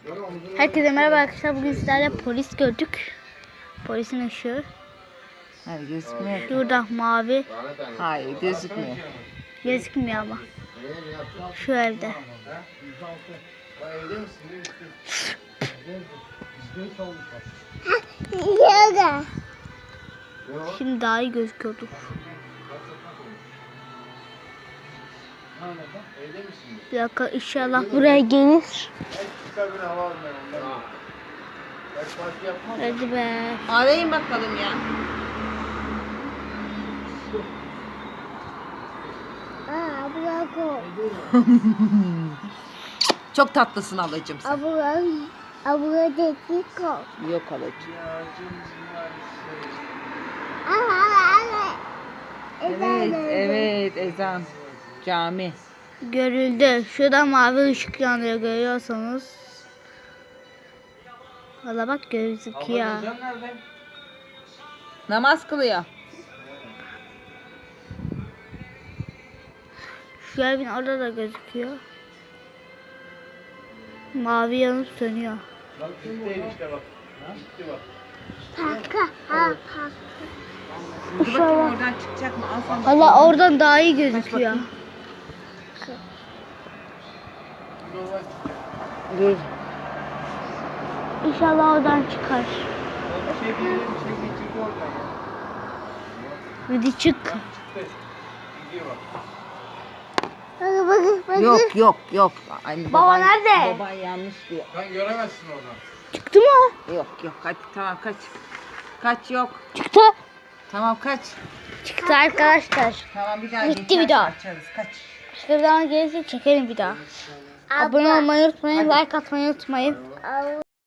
Herkese merhaba arkadaşlar. Bugün sizlerle polis gördük. Polisin ışığı. Hayır, gözükmüyor. Burada mavi. Hayır, gözükmüyor. Gözükmüyor ama. Şu evde. Şimdi daha iyi gözüküyordu. Bir dakika, inşallah buraya gelir. Hadi be. Arayın bakalım ya. Çok tatlısın halacığım sen. Yok halacığım. Evet ezan. Cami. Görüldü. Şurada mavi ışık yanıyor, görüyorsanız. Valla bak, gözüküyor. Namaz kılıyor. Şu evin orada da gözüküyor. Mavi yanıp sönüyor. Bak gitti işte bak. Gitti bak. Dur bakayım oradan çıkacak mı? Al sen. Valla oradan daha iyi gözüküyor. Dur. İnşallah oradan çıkar. Bir şey diyelim, bir şey geçirdi oradan. Hadi çık. Gidiyor bak. Yok. Ay, Baba nerede? Baban yanlış diyor. Sen göremezsin oradan. Çıktı mı? Yok hadi tamam kaç. Kaç yok. Çıktı. Tamam kaç. Çıktı arkadaşlar. Tamam bir daha Gitti geçerse bir daha. açarız kaç. Başka bir zaman gelirse çekelim bir daha. Abone olmayı unutmayın. Like atmayı unutmayın.